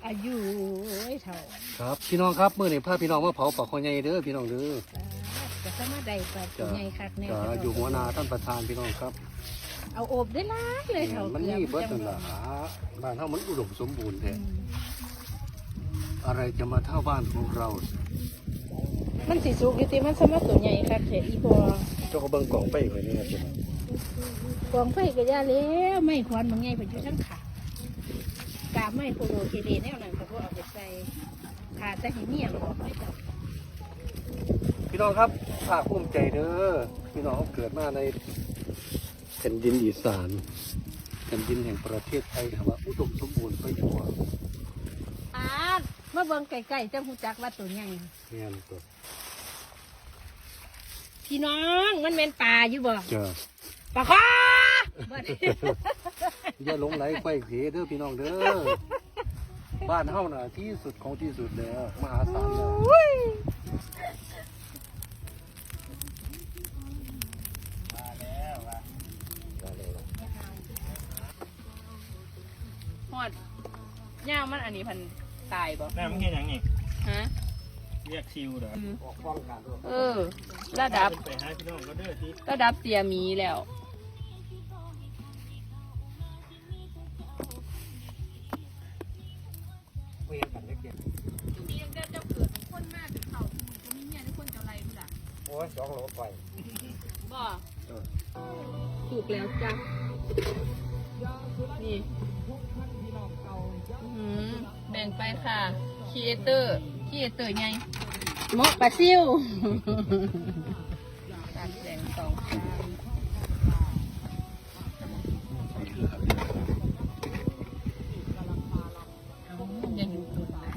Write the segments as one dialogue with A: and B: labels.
A: อายุไอ้เท่า
B: ครับพี่น้องครับมื้อนี้พาพี่น้องมาเผาปลาคอใหญ่เด้อพี่น้องเด้อ
A: จะสมาได้ปลาตัวใหญ่คักแน่
B: อยู่หัวนาท่านประธานพี่น้องครับ
A: เอาโอบได้ล้างเลยเท่า
B: มันนี่เบิดนั่นล่ะบ้านเฮามันอุดมสมบูรณ์แท้อะไรจะมาเท่าบ้านของเรา
A: มันสิสุกอยู่ติมันสมาตัวใหญ่คักแท้อีพอ
B: เจ้าก็เบิ่งกล่องไปไว้นี่ครับ
A: กองไฟก็ย่าแล้วไม่ควันบางไงไปอยู่ทั้งขากาบไม่โคโลเคเดแนวนั้นก็บ่เอาไปใส่ขาแต่หิเมียมันออกไม่ต้อง
B: พี่น้องครับภาคภูมิใจเด้อพี่น้องเกิดมาในแผ่นดินอีสานแผ่นดินแห่งประเทศไทยครับว่าอุดมสมบูรณ์ไปทั่ว
A: มาเบิ่งไก่ๆจังฮู้จักว่าตัวใหญ่
B: แม่นตัว
A: พี่น้องมันแม่นปลาอยู่บ่
B: จ้า
A: ปลาคอบ่
B: อย่าหลงไหลไฟเสียเด้อพี่น้องเด้อบ้านเฮาน่ะที่สุดของที่สุดแล้วมหาศาลแล้ว
A: ฮอดย่างมันอันนี้พันตายบ่
C: น้ำมันแค่ยังไง
A: ฮะ
C: เรียกชิวเหรอ
B: ออกฟ้องกันด้วย
A: ระดับ
C: ไปหาพี่น้องก็เด้อที่
A: ระดับเตียมีแล้ว
B: เวียนกันเล็ก
A: มียังเจ้าเกิดเป็นคนมากเป็นเขาจะมีเมียทุกคนจะไรพุ่นล่ะ
B: โอ้ย2 โลไป
A: บ่ถูกแล้วจ้ะนี่แบ่งไปค่ะครีเอเตอร์ไงหมกปลาซิวตัดแสงสองข้างยังอยู่ตัวไหน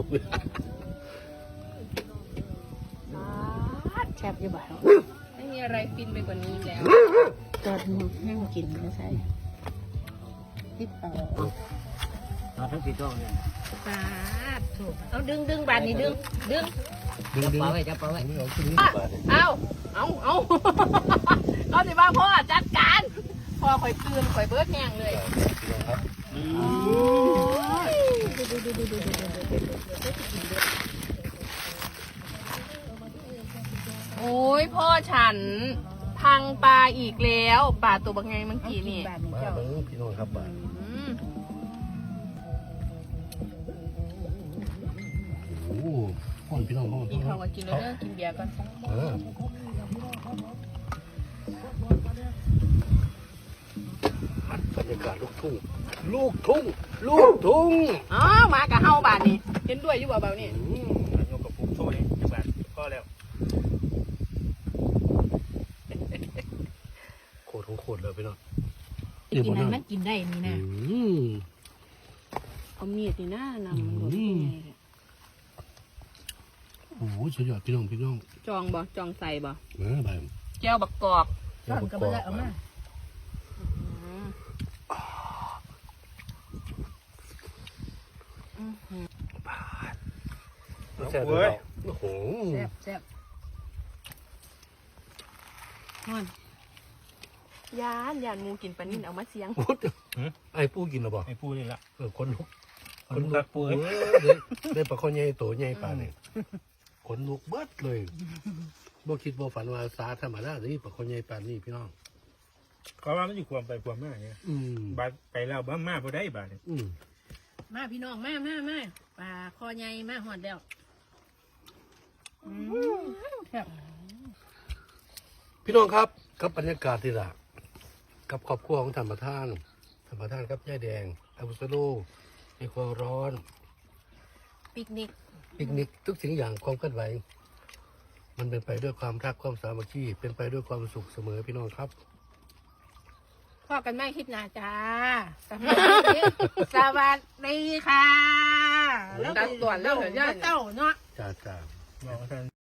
A: แคบอยู่บ่าวไม่มีอะไรฟินไปกว่านี้แล้วจอดหมึกให้มากินไม่ใช่ที่เป่า
B: มาทั้ง4 ช่องเนี่ย
A: ปาดถูกเอาดึงบานนี้ดึง
B: จับปลาไว้จับปลาไว้นี่เอาขึ้นนี่บาดนี่
A: เอาเอาสิบ้าพ่อจัดการพ่อข่อยคืนข่อยเบิดแห้งเลย
B: พี่น้องครับ
A: โอ้ยพ่อฉันพังปลาอีกแล้วปลาตัวบางไงเมื่อกี้นี่
B: มาเบิ่งพี่น้องครับบาดโอ้พ่อนพี่น้องพ่อน
A: กินข้าวก็กินแล้วเด้อกินเบียร์ก่อน
B: บรรยากาศลูกทุ่ง
A: อ๋อมากับเฮาบานนี่เห็นด้วยอยู่บ่เบานี่
C: โยกกับปุ๊บโซ่เองจังหวัดก็แล้ว
B: โคตรของโคตรเลยพี่น้อง
A: กินนั้นมันกินได้นี่นะ
B: อืม
A: เอามีดนี่นะนำมันหมดยังไง
B: โอ้โหสุดยอดพี่น้อง
A: จองใส่บ่
B: มาไป
A: แก้วบักกอก
B: ซ่อนก็ไม่ได้เอามาแซ่บเลยโอ้โห
A: แซ่บฮอนยานงูกินปลานิ่นเอามาเสียง
B: ไอ้ปูกินหรอบ่
C: ไอ้พูดนี่ละ
B: คนลุก
C: คนรักปู
B: ได้ปลาข้อใหญ่โตใหญ่ปลาเนี่ยขนลุกเบิดเลยบ่คิดบ่ฝันว่าสาธรรมดาสิปลาข้อใหญ่ปลานี่พี่น้อง
C: เขาว่ามันอยู่ความไปความมาเนี่ยบาดไปแล้วบ้ามาพอได้บาดเนี่ย
A: มาพี่น้องมาปลาคอใหญ่มาหอดแล้วครับ
B: พี่น้องครับกับบรรยากาศที่ละกับครอบครัวของธรรมทานครับย่าแดงอาบุสโลในความร้อน
A: ปิกนิก
B: ทุกสิ่งอย่างความเคลื่อนไหวมันเป็นไปด้วยความรักความสามัคคีเป็นไปด้วยความสุขเสมอพี่น้องครับ
A: พ่อกันไม่คลิปหนาจ้าสวัสดีค่ะแล้วตัดส่วนแล้วเจ้าเนาะ
B: จ้า
C: บอกท่าน